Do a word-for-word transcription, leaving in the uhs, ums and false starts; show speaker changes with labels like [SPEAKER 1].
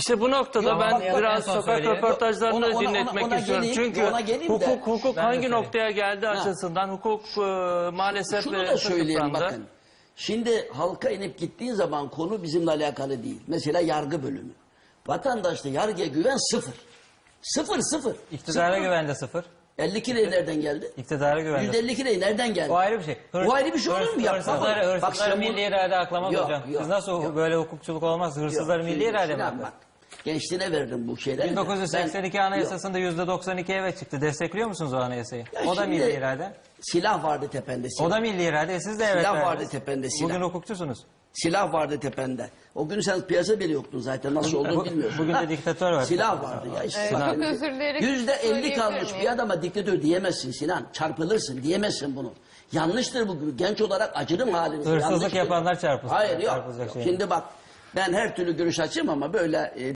[SPEAKER 1] İşte bu noktada
[SPEAKER 2] Yok,
[SPEAKER 1] ben
[SPEAKER 2] bak, bak,
[SPEAKER 1] biraz
[SPEAKER 2] en son
[SPEAKER 1] sokak
[SPEAKER 2] söyleyeyim.
[SPEAKER 1] röportajlarını
[SPEAKER 3] Ona-
[SPEAKER 1] da
[SPEAKER 3] ona-
[SPEAKER 1] dinletmek
[SPEAKER 3] ona- ona
[SPEAKER 1] istiyorum.
[SPEAKER 3] geleyim,
[SPEAKER 1] Çünkü
[SPEAKER 3] ona geleyim de.
[SPEAKER 1] hukuk hukuk
[SPEAKER 2] Ben de
[SPEAKER 1] hangi
[SPEAKER 2] söyleyeyim.
[SPEAKER 1] noktaya geldi açısından hukuk e, maalesef
[SPEAKER 3] Şunu
[SPEAKER 1] e,
[SPEAKER 3] da söyleyeyim
[SPEAKER 1] kısıtlandı.
[SPEAKER 3] bakın. Şimdi halka inip gittiğin zaman konu bizimle alakalı değil. Mesela yargı bölümü. Vatandaşta yargıya güven sıfır. Sıfır sıfır.
[SPEAKER 2] İktidara
[SPEAKER 3] Sıfır.
[SPEAKER 2] güvende sıfır.
[SPEAKER 3] elli iki lira nereden geldi?
[SPEAKER 2] İktidara güvende
[SPEAKER 3] yüzde elli iki lira nereden geldi?
[SPEAKER 2] O ayrı bir şey. Hırs-
[SPEAKER 3] O ayrı bir şey olur mu ya?
[SPEAKER 2] Hırsızları,
[SPEAKER 3] Bak, bak
[SPEAKER 2] hırsızları
[SPEAKER 3] sen bu-
[SPEAKER 2] milli irade aklamak
[SPEAKER 3] Yok,
[SPEAKER 2] hocam.
[SPEAKER 3] yok,
[SPEAKER 2] Siz nasıl
[SPEAKER 3] yok.
[SPEAKER 2] böyle hukukçuluk olmaz? Hırsızları
[SPEAKER 3] Yok,
[SPEAKER 2] milli
[SPEAKER 3] şimdi
[SPEAKER 2] irade mi
[SPEAKER 3] Sinan
[SPEAKER 2] aklar?
[SPEAKER 3] bak, gençliğine verdim bu şeyleri.
[SPEAKER 2] bin dokuz yüz seksen iki
[SPEAKER 3] Ben-
[SPEAKER 2] Anayasası'nda yüzde doksan iki evet çıktı. Destekliyor musunuz o anayasayı?
[SPEAKER 3] Ya
[SPEAKER 2] O da
[SPEAKER 3] şimdi
[SPEAKER 2] milli irade.
[SPEAKER 3] Silah vardı tepende silah.
[SPEAKER 2] O da milli irade. Siz de evet
[SPEAKER 3] Silah
[SPEAKER 2] verdiniz.
[SPEAKER 3] vardı tepende, silah.
[SPEAKER 2] Bugün hukukçusunuz.
[SPEAKER 3] Silah vardı tepende. O gün sen piyasa bile yoktun zaten. Nasıl olduğunu
[SPEAKER 2] Bu-
[SPEAKER 3] bilmiyorsun.
[SPEAKER 2] bugün de diktatör var.
[SPEAKER 3] Silah vardı ya. işte.
[SPEAKER 2] Sinan.
[SPEAKER 3] Bak,
[SPEAKER 4] Çok özür dileyerek
[SPEAKER 3] Yüzde elli
[SPEAKER 4] söyleyebilir
[SPEAKER 3] kalmış
[SPEAKER 4] miyim?
[SPEAKER 3] bir adama diktatör diyemezsin Sinan. Çarpılırsın diyemezsin bunu. Yanlıştır bu. Genç olarak acırım halinize.
[SPEAKER 2] Hırsızlık
[SPEAKER 3] Yanlıştır.
[SPEAKER 2] yapanlar çarpılsın.
[SPEAKER 3] Hayır yok.
[SPEAKER 2] Çarpılacak
[SPEAKER 3] yok.
[SPEAKER 2] şey.
[SPEAKER 3] Şimdi bak ben her türlü görüş açayım ama böyle... e,